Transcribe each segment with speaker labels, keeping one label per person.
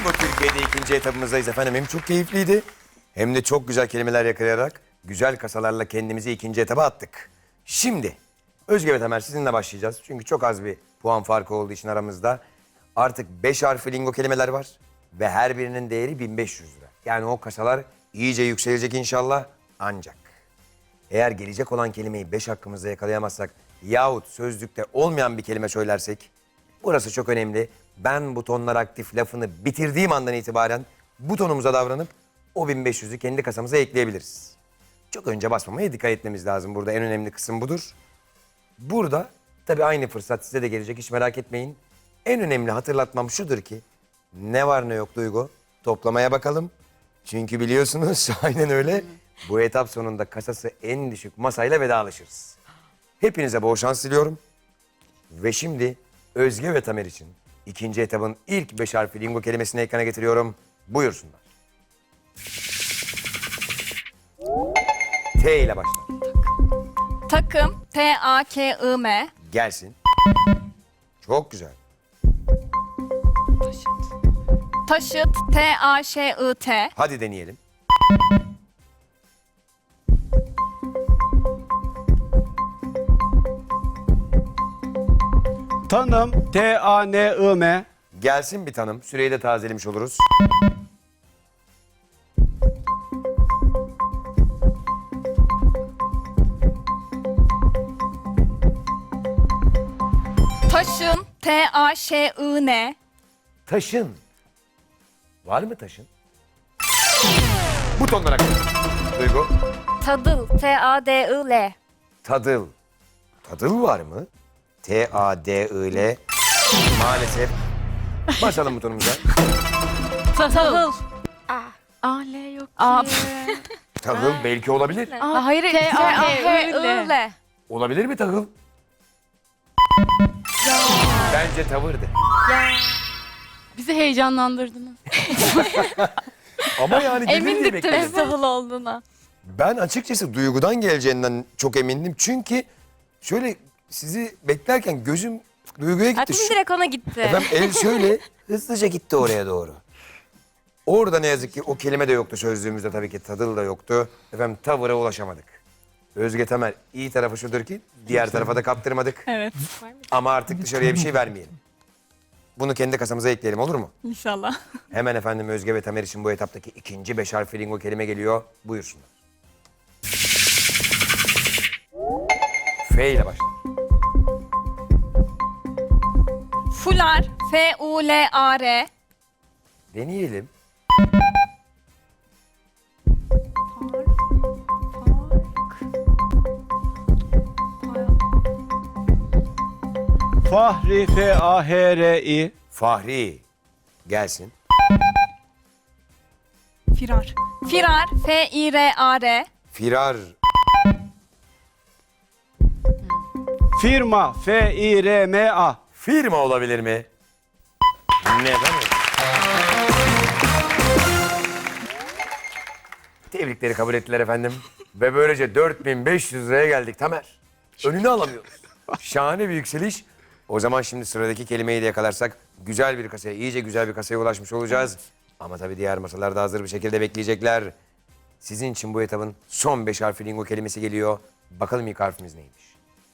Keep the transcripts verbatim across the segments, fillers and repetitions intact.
Speaker 1: Bingo Türkiye'de ikinci etapımızdayız efendim. Hem çok keyifliydi hem de çok güzel kelimeler yakalayarak güzel kasalarla kendimizi ikinci etaba attık. Şimdi Özge ve Tamer sizinle başlayacağız. Çünkü çok az bir puan farkı olduğu için aramızda. Artık beş harfli lingo kelimeler var ve her birinin değeri bin beş yüz lira. Yani o kasalar iyice yükselecek inşallah ancak. Eğer gelecek olan kelimeyi beş hakkımızda yakalayamazsak yahut sözlükte olmayan bir kelime söylersek burası çok önemli. Ben butonlar aktif lafını bitirdiğim andan itibaren butonumuza davranıp o bin beş yüzü kendi kasamıza ekleyebiliriz. Çok önce basmamaya dikkat etmemiz lazım. Burada en önemli kısım budur. Burada tabii aynı fırsat size de gelecek, hiç merak etmeyin. En önemli hatırlatmam şudur ki ne var ne yok Duygu toplamaya bakalım. Çünkü biliyorsunuz aynen öyle bu etap sonunda kasası en düşük masayla vedalaşırız. Hepinize bol şans diliyorum. Ve şimdi Özge ve Tamer için ikinci etabın ilk beş harfli lingo kelimesini ekrana getiriyorum. Buyursunlar. T ile başlar.
Speaker 2: Takım. T A K I M.
Speaker 1: Gelsin. Çok güzel.
Speaker 2: Taşıt. T A Ş I T.
Speaker 1: Hadi deneyelim.
Speaker 3: Tanım T A N I M.
Speaker 1: Gelsin bir tanım. Süreyi de tazelemiş oluruz.
Speaker 2: Taşın. T A Ş I N.
Speaker 1: Taşın. Var mı taşın? Butonlara koy. Duygu.
Speaker 2: Tadıl. T A D I L.
Speaker 1: Tadıl. Tadıl var mı? T A D I L. Maalesef. Basalım butonumuza.
Speaker 2: Tahıl.
Speaker 4: A L yok
Speaker 2: A.
Speaker 4: ki.
Speaker 1: Tahıl belki olabilir.
Speaker 2: Aa, hayır. T A H I L.
Speaker 1: Olabilir mi tahıl? Bence tavırdı.
Speaker 4: Bizi heyecanlandırdınız.
Speaker 1: Ama yani gelir diye
Speaker 4: Emindik
Speaker 1: bekledim.
Speaker 4: tabii tahıl olduğuna.
Speaker 1: Ben açıkçası Duygu'dan geleceğinden çok emindim. Çünkü şöyle sizi beklerken gözüm Duygu'ya gitti.
Speaker 2: Aklım
Speaker 1: Şu-
Speaker 2: direkt ona gitti.
Speaker 1: Efendim el şöyle hızlıca gitti oraya doğru. Orada ne yazık ki o kelime de yoktu sözlüğümüzde, tabii ki tadıl da yoktu. Efendim tavıra ulaşamadık. Özge Tamer, iyi tarafı şudur ki diğer tarafa da kaptırmadık.
Speaker 2: Evet.
Speaker 1: Ama artık dışarıya bir şey vermeyelim. Bunu kendi kasamıza ekleyelim, olur mu?
Speaker 2: İnşallah.
Speaker 1: Hemen efendim Özge ve Tamer için bu etaptaki ikinci beş harfli lingo kelime geliyor. Buyursunlar. F ile başlar.
Speaker 2: Fular. F U L A R.
Speaker 1: Deneyelim.
Speaker 3: Fahri F A H R I.
Speaker 1: Fahri. Gelsin.
Speaker 2: Firar. Firar. F I R A R.
Speaker 1: Firar.
Speaker 3: Firma F I R M A.
Speaker 1: Firma olabilir mi? Neden öyle? Tebrikleri kabul ettiler efendim. Ve böylece dört bin beş yüz liraya geldik Tamer. Önünü alamıyoruz. Şahane bir yükseliş. O zaman şimdi sıradaki kelimeyi de yakalarsak güzel bir kasaya, iyice güzel bir kasaya ulaşmış olacağız. Ama tabii diğer masalar da hazır bir şekilde bekleyecekler. Sizin için bu etabın son beş harfli lingo kelimesi geliyor. Bakalım ilk harfimiz neymiş?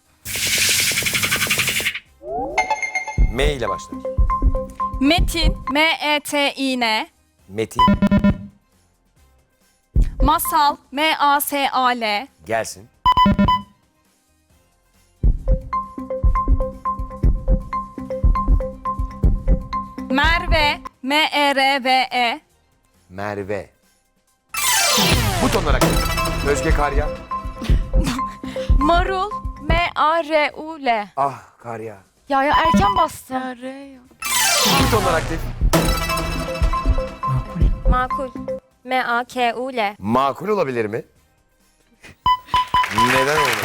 Speaker 1: M ile başlar.
Speaker 2: Metin. M E T İ N.
Speaker 1: Metin.
Speaker 2: Masal. M A S A L.
Speaker 1: Gelsin.
Speaker 2: Merve. M E R V E.
Speaker 1: Merve. Butonlara koy. Özge Karya.
Speaker 4: Marul M A R U L.
Speaker 1: Ah Karya.
Speaker 4: Ya ya erken bastım. Ya R yok.
Speaker 1: Butonlar aktif.
Speaker 5: Makul. M A K U L.
Speaker 1: Makul olabilir mi? Neden olmaz?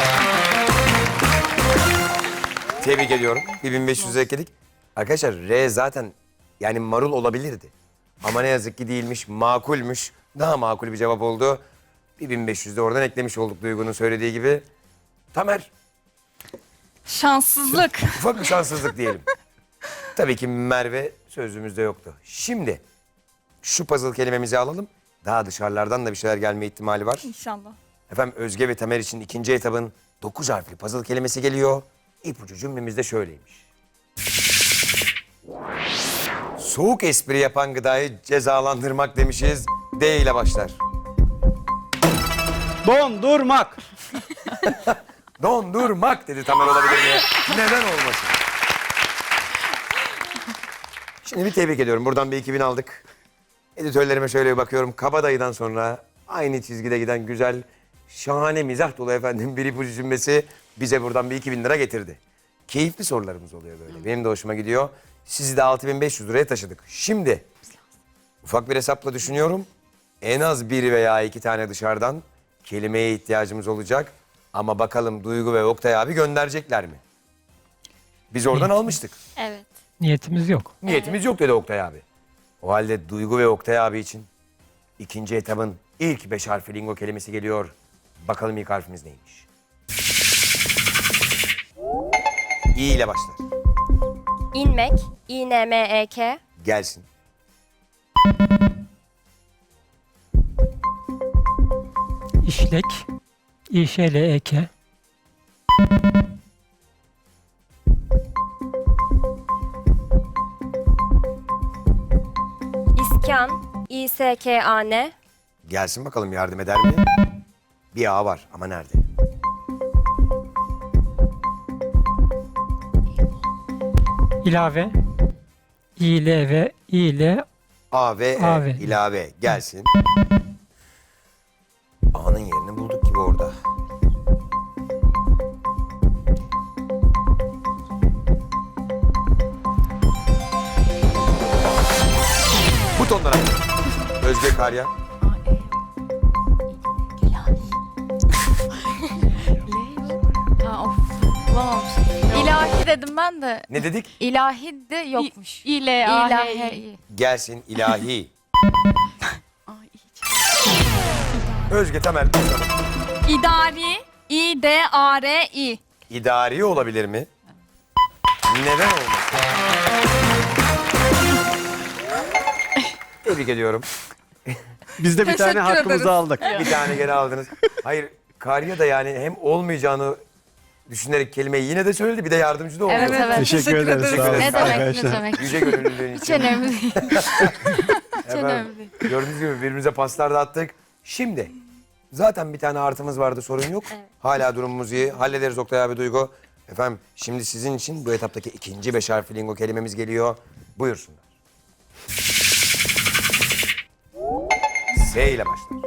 Speaker 1: Tebrik ediyorum. bir bin beş yüz ekledik. Arkadaşlar R zaten yani marul olabilirdi. Ama ne yazık ki değilmiş, makulmüş. Daha makul bir cevap oldu. bir bin beş yüz de oradan eklemiş olduk Duygu'nun söylediği gibi. Tamer,
Speaker 2: Şanssızlık.
Speaker 1: ufak bir şanssızlık diyelim. Tabii ki Merve sözümüzde yoktu. Şimdi şu puzzle kelimemizi alalım. Daha dışarılardan da bir şeyler gelme ihtimali var.
Speaker 2: İnşallah.
Speaker 1: Efendim Özge ve Tamer için ikinci etabın dokuz harfli puzzle kelimesi geliyor. İpucu cümlemiz de şöyleymiş. Soğuk espri yapan gıdayı cezalandırmak demişiz. D ile başlar.
Speaker 3: Dondurmak.
Speaker 1: Dondurmak dedi Tamer, olabilir mi? Neden olmasın? Şimdi bir tebrik ediyorum. Buradan bir iki bin aldık. Editörlerime şöyle bir bakıyorum. Kabadayı'dan sonra aynı çizgide giden güzel, şahane mizah dolu efendim bir ipucu cümlesi bize buradan bir iki bin lira getirdi. Keyifli sorularımız oluyor böyle. Benim de hoşuma gidiyor. Sizi de altı bin beş yüz liraya taşıdık. Şimdi ufak bir hesapla düşünüyorum. En az bir veya iki tane dışarıdan kelimeye ihtiyacımız olacak. Ama bakalım Duygu ve Oktay abi gönderecekler mi? Biz oradan almıştık.
Speaker 5: Evet.
Speaker 6: Niyetimiz yok.
Speaker 1: Niyetimiz yok dedi Oktay abi. O halde Duygu ve Oktay abi için ikinci etabın ilk beş harfli lingo kelimesi geliyor. Bakalım ilk harfimiz neymiş? İ ile başlar.
Speaker 5: İnmek. İ N M E K.
Speaker 1: Gelsin.
Speaker 6: İşlek. İşlek.
Speaker 5: İskan. İ S K A N.
Speaker 1: Gelsin bakalım, yardım eder mi? Bir A var ama nerede?
Speaker 6: İlave. İlave. İle.
Speaker 1: A ve E.
Speaker 6: A ve E.
Speaker 1: ilave. Gelsin. A'nın yerini bulduk gibi orada. Butonlara. Özge Karya.
Speaker 4: Ha, of. Bulamamışım. İlahi dedim ben de.
Speaker 1: Ne dedik?
Speaker 4: İlahi de yokmuş.
Speaker 2: İ, L, A, H, I.
Speaker 4: İlahi.
Speaker 1: Gelsin ilahi.
Speaker 4: Ay, iyi.
Speaker 1: Özge Temel. bakalım.
Speaker 2: İdari. İ, D, A, R, I.
Speaker 1: İdari olabilir mi? Neden olmasın? Tebrik ediyorum.
Speaker 3: Biz de bir tane
Speaker 2: Teşekkür
Speaker 3: hakkımızı
Speaker 2: ederiz.
Speaker 3: aldık.
Speaker 1: Bir tane geri aldınız. Hayır, Karya da yani hem olmayacağını düşünerek kelimeyi yine de söyledi, bir de yardımcı da oldu.
Speaker 4: Evet, evet.
Speaker 3: Teşekkür ederiz. Sağ olun.
Speaker 4: Ne demek, ne
Speaker 3: arkadaşlar.
Speaker 4: demek.
Speaker 1: Yüce gönüllülüğün
Speaker 4: Hiç
Speaker 1: için.
Speaker 4: önemli değil. Hiç
Speaker 1: Efendim,
Speaker 4: önemli değil.
Speaker 1: gördüğünüz gibi birbirimize paslar da attık. Şimdi zaten bir tane artımız vardı, sorun yok.
Speaker 5: Evet.
Speaker 1: Hala durumumuz iyi. Hallederiz Oktay abi, Duygu. Efendim şimdi sizin için bu etaptaki ikinci beş harfli lingo kelimemiz geliyor. Buyursunlar. S ile başlar.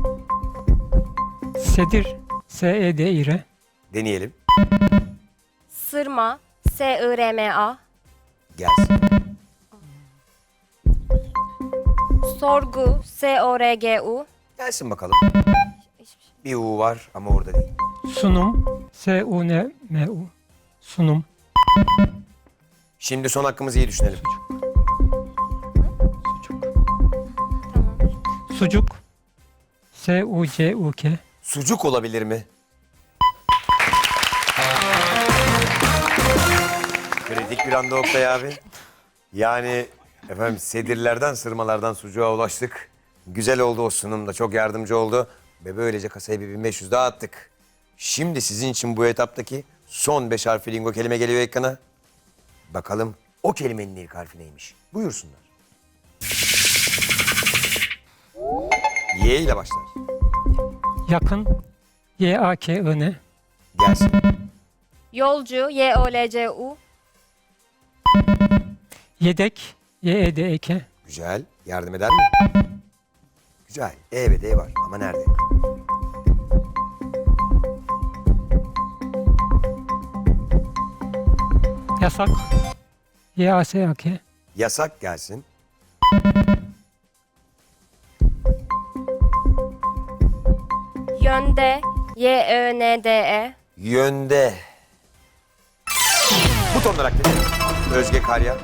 Speaker 6: Sedir. S E D İ R.
Speaker 1: Deneyelim.
Speaker 5: Sırma. S I R M A.
Speaker 1: Gelsin.
Speaker 5: Sorgu. S O R G U.
Speaker 1: Gelsin bakalım. Bir U var ama orada değil.
Speaker 6: Sunum. S U N M U. Sunum.
Speaker 1: Şimdi son hakkımızı iyi düşünelim.
Speaker 6: Sucuk. S U C U K.
Speaker 1: Sucuk olabilir mi? Kritik bir anda Oktay abi. Yani efendim sedirlerden, sırmalardan sucuğa ulaştık. Güzel oldu, o sunum da çok yardımcı oldu. Ve böylece kasayı bir bin beş yüz daha attık. Şimdi sizin için bu etaptaki son beş harfli lingo kelime geliyor ekrana. Bakalım o kelimenin ilk harfi neymiş? Buyursunlar. Y ile başlar.
Speaker 6: Yakın. Y A K I N.
Speaker 1: Gelsin.
Speaker 5: Yolcu. Y O L C U.
Speaker 6: Yedek. Y E D E K.
Speaker 1: Güzel. Yardım eder mi? Güzel. E ve D var ama nerede?
Speaker 6: Yasak. Y A S A K.
Speaker 1: Yasak gelsin.
Speaker 5: Yönde. Y Ö N D E.
Speaker 1: Yönde. Butonlar aktif. Özge Karya.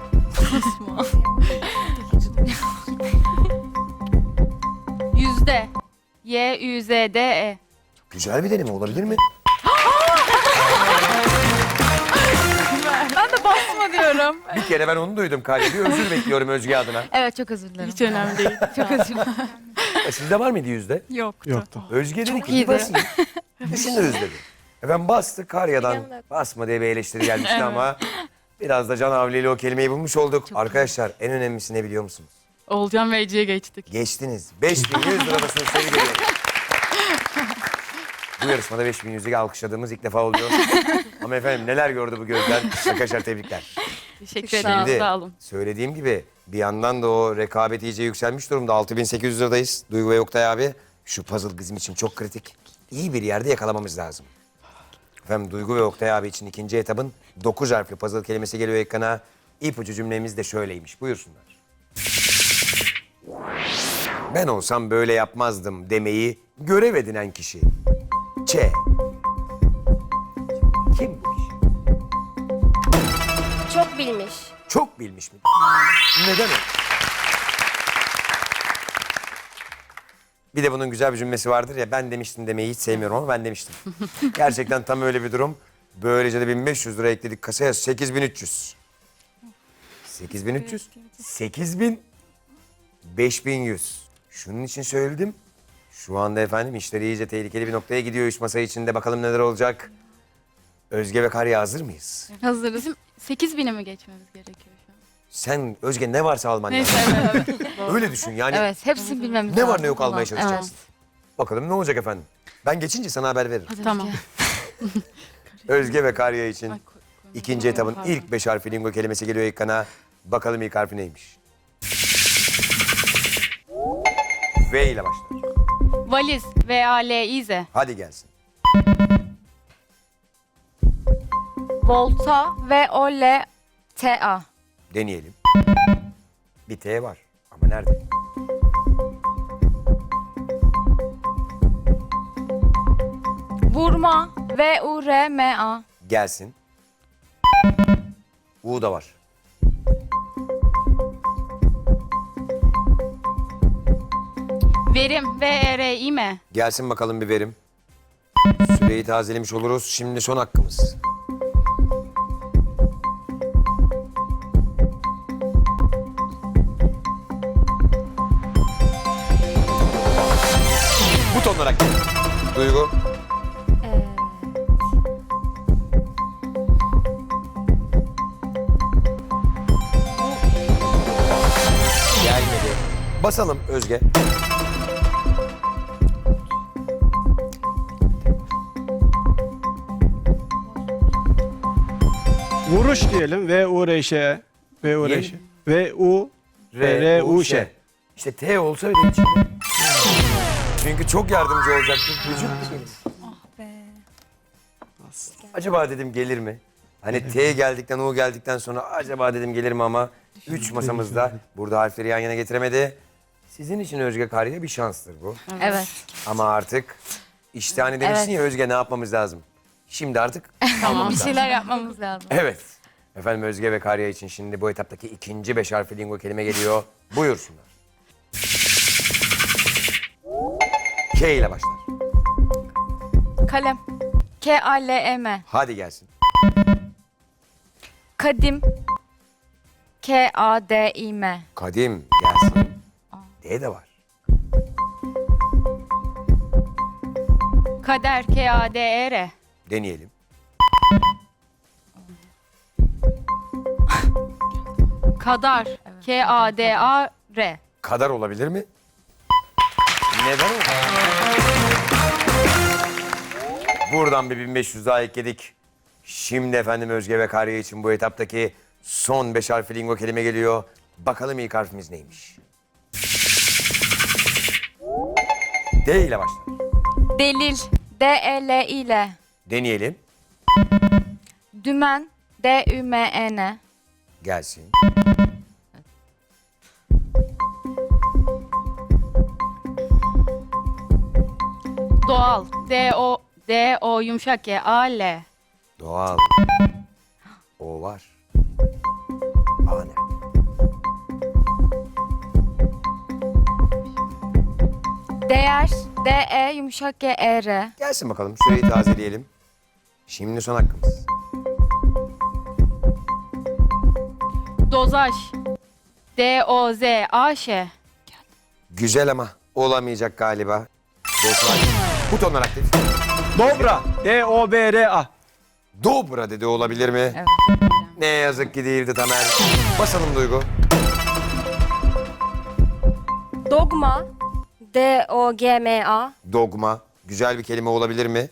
Speaker 4: Yüzde. Y Ü Z D E.
Speaker 1: Güzel bir deneme olabilir mi?
Speaker 4: Ben de basmadım.
Speaker 2: Bravo diyorum.
Speaker 1: Bir kere ben onu duydum Karya. Bir özür bekliyorum Özge adına.
Speaker 4: Evet çok özür dilerim.
Speaker 7: Hiç önemli değil.
Speaker 4: Çok özür dilerim.
Speaker 1: E, sizde var mıydı yüzde?
Speaker 2: Yoktu.
Speaker 3: Yoktu.
Speaker 1: Özge dedi ki
Speaker 4: iyiydi.
Speaker 1: bir basın. Düşünürüz dedi. Efendim bastı Karya'dan
Speaker 5: Yanında.
Speaker 1: basma diye bir eleştiri gelmişti ama biraz da Can Havli ile o kelimeyi bulmuş olduk. Arkadaşlar en önemlisi ne biliyor musunuz?
Speaker 7: Olcan ve Ece'ye geçtik.
Speaker 1: Geçtiniz. beş bin yüz liradasınız sevgili ediyorum. Bu yarışmada beş bin yüzü alkışladığımız ilk defa oluyor. Ama efendim neler gördü bu gözler. Arkadaşlar tebrikler.
Speaker 7: Teşekkür
Speaker 1: Şimdi
Speaker 7: ederim. Sağ olun.
Speaker 1: söylediğim gibi bir yandan da o rekabet iyice yükselmiş durumda. altı bin sekiz yüz liradayız. Duygu ve Oktay abi. Şu puzzle bizim için çok kritik. İyi bir yerde yakalamamız lazım. Efendim Duygu ve Oktay abi için ikinci etabın dokuz harfli puzzle kelimesi geliyor ekrana. İpucu cümlemiz de şöyleymiş. Buyursunlar. Ben olsam böyle yapmazdım demeyi görev edinen kişi. Ç. Kim bu kişi?
Speaker 5: Çok bilmiş.
Speaker 1: Çok bilmiş mi? Neden o? Bir de bunun güzel bir cümlesi vardır ya, ben demiştim demeyi hiç sevmiyorum ama ben demiştim. Gerçekten tam öyle bir durum. Böylece de bin beş yüz lira ekledik kasaya, sekiz bin üç yüz. sekiz bin üç yüz, sekiz bin, beş bin yüz. Şunun için söyledim. Şu anda efendim işler iyice tehlikeli bir noktaya gidiyor üç masa içinde. Bakalım neler olacak. Özge ve Karya hazır mıyız?
Speaker 4: Hazırız.
Speaker 7: Bizim sekiz bine mi geçmemiz gerekiyor şu an?
Speaker 1: Sen Özge ne varsa alman lazım.
Speaker 7: Neyse evet. evet.
Speaker 1: Öyle düşün yani.
Speaker 4: Evet hepsini bilmemiz
Speaker 1: Ne
Speaker 4: lazım.
Speaker 1: var ne yok almaya
Speaker 4: Tamam,
Speaker 1: çalışacaksın. Bakalım ne olacak efendim. Ben geçince sana haber veririm.
Speaker 4: Evet.
Speaker 7: Tamam.
Speaker 1: Özge ve Karya için
Speaker 7: Ay, koy- koymadım.
Speaker 1: ikinci etabın
Speaker 7: Pardon.
Speaker 1: ilk beş harfi lingo kelimesi geliyor ekrana. Bakalım ilk harfi neymiş? V ile başlar.
Speaker 4: Valiz. V A L İ Z.
Speaker 1: Hadi gelsin.
Speaker 4: Volta. V O L T A.
Speaker 1: Deneyelim. Bir T var ama nerede?
Speaker 4: Vurma. V U R M A.
Speaker 1: Gelsin. U da var.
Speaker 4: Verim. V E R İ M.
Speaker 1: Gelsin bakalım bir verim. Süreyi tazelemiş oluruz. Şimdi son hakkımız. Buton olarak gel. Duygu.
Speaker 5: Evet.
Speaker 1: Gelmedi. Basalım Özge.
Speaker 3: Vuruş diyelim. V U R Ş. V U R Ş. V U R U Ş.
Speaker 1: İşte T olsa öyle içinde. Çünkü çok yardımcı olacaktı. Vücut
Speaker 2: Be.
Speaker 1: acaba dedim gelir mi? Hani T geldikten U geldikten sonra acaba dedim gelir mi ama üç masamızda burada harfleri yan yana getiremedi. Sizin için Özge Karya bir şanstır bu.
Speaker 4: Evet.
Speaker 1: Ama artık işte hani demişsin ya Özge ne yapmamız lazım? Şimdi artık
Speaker 4: Tamam. Bir şeyler yapmamız lazım.
Speaker 1: evet. Efendim Özge ve Karya için şimdi bu etaptaki ikinci beş harfli lingo kelime geliyor. Buyursunlar. K ile başlar.
Speaker 4: Kalem. K A L E M.
Speaker 1: Hadi gelsin.
Speaker 4: Kadim. K A D İ M.
Speaker 1: Kadim gelsin. D de var.
Speaker 4: Kader. K A D E R.
Speaker 1: Deneyelim.
Speaker 4: Kadar. K A D A R.
Speaker 1: Kadar olabilir mi? Neden olmaz? Buradan bir bin beş yüz daha ekledik. Şimdi efendim Özge ve Karya için bu etaptaki son beş harfli lingo kelime geliyor. Bakalım ilk harfimiz neymiş? D ile başlar.
Speaker 4: Delil. D E L İ L.
Speaker 1: Deneyelim.
Speaker 4: Dümen. D Ü M E N.
Speaker 1: Gelsin.
Speaker 4: Doğal. D O D O yumuşak G A L.
Speaker 1: Doğal. O var. A nerede?
Speaker 4: Değer. D E yumuşak G E R.
Speaker 1: Gelsin bakalım süreyi tazeleyelim. Şimdi son hakkımız.
Speaker 4: Dozaj. D O Z A Ş.
Speaker 1: Güzel ama olamayacak galiba. Dozaj. Butonlar aktif.
Speaker 3: Dobra. D O B R A.
Speaker 1: Dobra dedi, olabilir mi?
Speaker 2: Evet.
Speaker 1: Ne yazık ki değildi Tamer. Basalım Duygu.
Speaker 5: Dogma. D O G M A.
Speaker 1: Dogma. Güzel bir kelime olabilir mi?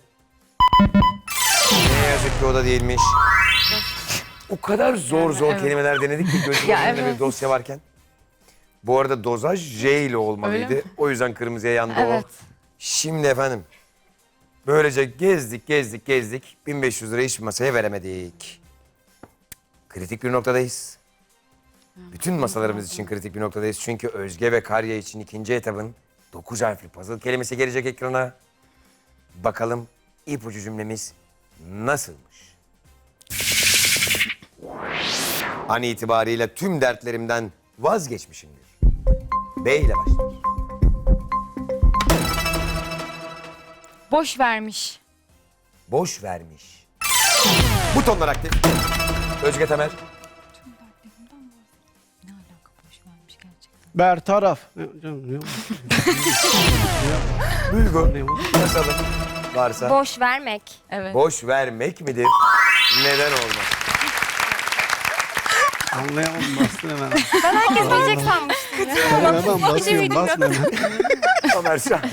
Speaker 1: Ne yazık ki o da değilmiş. O kadar zor zor kelimeler denedik ki gözümün
Speaker 2: Ya
Speaker 1: önünde
Speaker 2: evet.
Speaker 1: bir dosya varken. Bu arada dozaj J ile olmalıydı.
Speaker 7: Öyle mi?
Speaker 1: O yüzden kırmızıya yandı
Speaker 2: Evet.
Speaker 1: o. Şimdi efendim. Böylece gezdik gezdik gezdik. bin beş yüz lirayı hiçbir masaya veremedik. Kritik bir noktadayız. Bütün masalarımız için kritik bir noktadayız. Çünkü Özge ve Karya için ikinci etabın dokuz harfli puzzle kelimesi gelecek ekrana. Bakalım ipucu cümlemiz nasılmış? An itibariyle tüm dertlerimden vazgeçmişimdir. B ile başlar.
Speaker 2: Boş vermiş.
Speaker 1: Boş vermiş. Butonlar aktif. Özge Temer.
Speaker 3: Bertaraf. Ne- canım, ne-
Speaker 1: Duygu.
Speaker 3: ne-
Speaker 1: Basalım. Varsa.
Speaker 5: Boş vermek.
Speaker 2: Evet.
Speaker 1: Boş vermek midir? Neden olmaz?
Speaker 3: Anlayamam, bastın hemen.
Speaker 5: Ben herkes bilecek sanmıştım.
Speaker 3: Hemen basıyorum, basma hemen.
Speaker 1: Ömer şahane.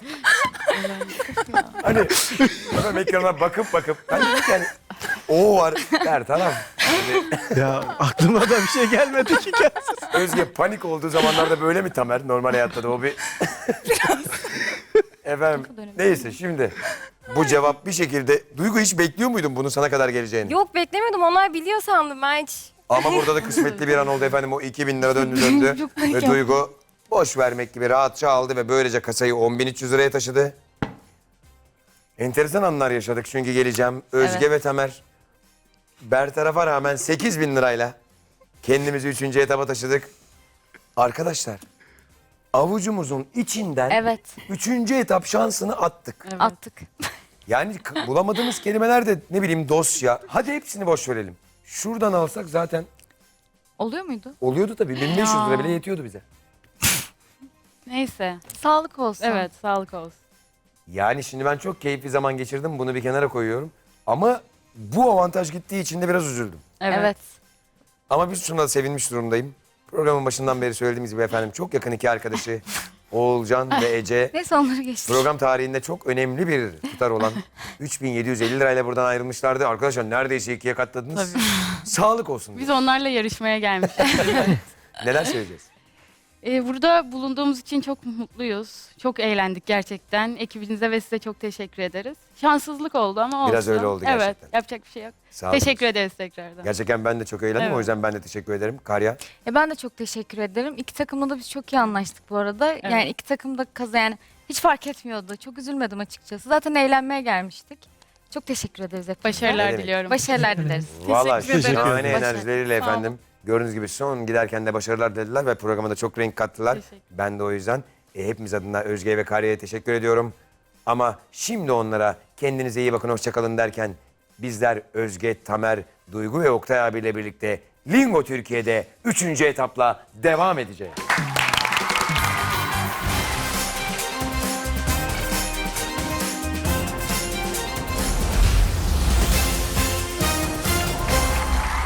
Speaker 1: Hani efendim ekrana bakıp bakıp ben dedim ki hani o var der taraf.
Speaker 3: Ya aklıma da bir şey gelmedi ki.
Speaker 1: Özge panik olduğu zamanlarda böyle mi Tamer? Normal hayatta da o bir... Efendim neyse şimdi bu cevap bir şekilde... Duygu hiç bekliyor muydun bunun sana kadar geleceğini?
Speaker 5: Yok beklemiyordum. Onlar biliyor sandım ben hiç.
Speaker 1: Ama burada da kısmetli bir an oldu efendim. O iki bin lira döndü döndü. Ve Duygu boş vermek gibi rahatça aldı ve böylece kasayı on bin üç yüz liraya taşıdı. Enteresan anlar yaşadık çünkü geleceğim. Özge ve Tamer bertarafa rağmen sekiz bin lirayla kendimizi üçüncü etaba taşıdık. Arkadaşlar avucumuzun içinden
Speaker 2: Evet.
Speaker 1: üçüncü etap şansını attık.
Speaker 2: Attık.
Speaker 1: Yani k- bulamadığımız kelimeler de ne bileyim dosya. Hadi hepsini boş verelim. Şuradan alsak zaten
Speaker 2: Oluyor muydu?
Speaker 1: oluyordu tabii. bin beş yüz lira bile yetiyordu bize.
Speaker 4: Neyse.
Speaker 2: Sağlık olsun.
Speaker 4: Evet, sağlık olsun.
Speaker 1: Yani şimdi ben çok keyifli zaman geçirdim. Bunu bir kenara koyuyorum. Ama bu avantaj gittiği için de biraz üzüldüm.
Speaker 4: Evet.
Speaker 2: Evet.
Speaker 1: Ama biz şuna da sevinmiş durumdayım. Programın başından beri söylediğimiz gibi efendim çok yakın iki arkadaşı Oğulcan ve Ece
Speaker 2: Neyse onları geçtik.
Speaker 1: program tarihinde çok önemli bir tutar olan üç bin yedi yüz elli lirayla buradan ayrılmışlardı. Arkadaşlar neredeyse ikiye katladınız.
Speaker 4: Tabii.
Speaker 1: Sağlık olsun.
Speaker 4: Biz
Speaker 1: diye.
Speaker 4: onlarla yarışmaya gelmişiz.
Speaker 1: Neler söyleyeceğiz?
Speaker 4: Ee, burada bulunduğumuz için çok mutluyuz. Çok eğlendik gerçekten. Ekibinize ve size çok teşekkür ederiz. Şanssızlık oldu ama olsun.
Speaker 1: Biraz öyle oldu gerçekten.
Speaker 4: Evet, yapacak bir şey yok.
Speaker 1: Sağ olun.
Speaker 4: Teşekkür ederiz tekrardan.
Speaker 1: Gerçekten ben de çok eğlendim.
Speaker 4: Evet.
Speaker 1: O yüzden ben de teşekkür ederim. Karya.
Speaker 2: E ben de çok teşekkür ederim. İki takımla da biz çok iyi anlaştık bu arada. Yani iki takım da kazan yani hiç fark etmiyordu. Çok üzülmedim açıkçası. Zaten eğlenmeye gelmiştik. Çok teşekkür ederiz hepinize.
Speaker 1: Ne
Speaker 4: Başarılar
Speaker 1: demek?
Speaker 4: diliyorum.
Speaker 2: Başarılar dileriz.
Speaker 1: Valla
Speaker 2: Teşekkür ederim.
Speaker 1: şahane
Speaker 2: Başarılar.
Speaker 1: enerjileriyle
Speaker 4: Sağ olun.
Speaker 1: efendim. Gördüğünüz gibi son giderken de başarılar dediler ve programa da çok renk kattılar.
Speaker 4: Teşekkür.
Speaker 1: Ben de o yüzden e, hepimiz adına Özge ve Karya'ya teşekkür ediyorum. Ama şimdi onlara kendinize iyi bakın, hoşçakalın derken bizler Özge, Tamer, Duygu ve Oktay abiyle birlikte Lingo Türkiye'de üçüncü etapla devam edeceğiz.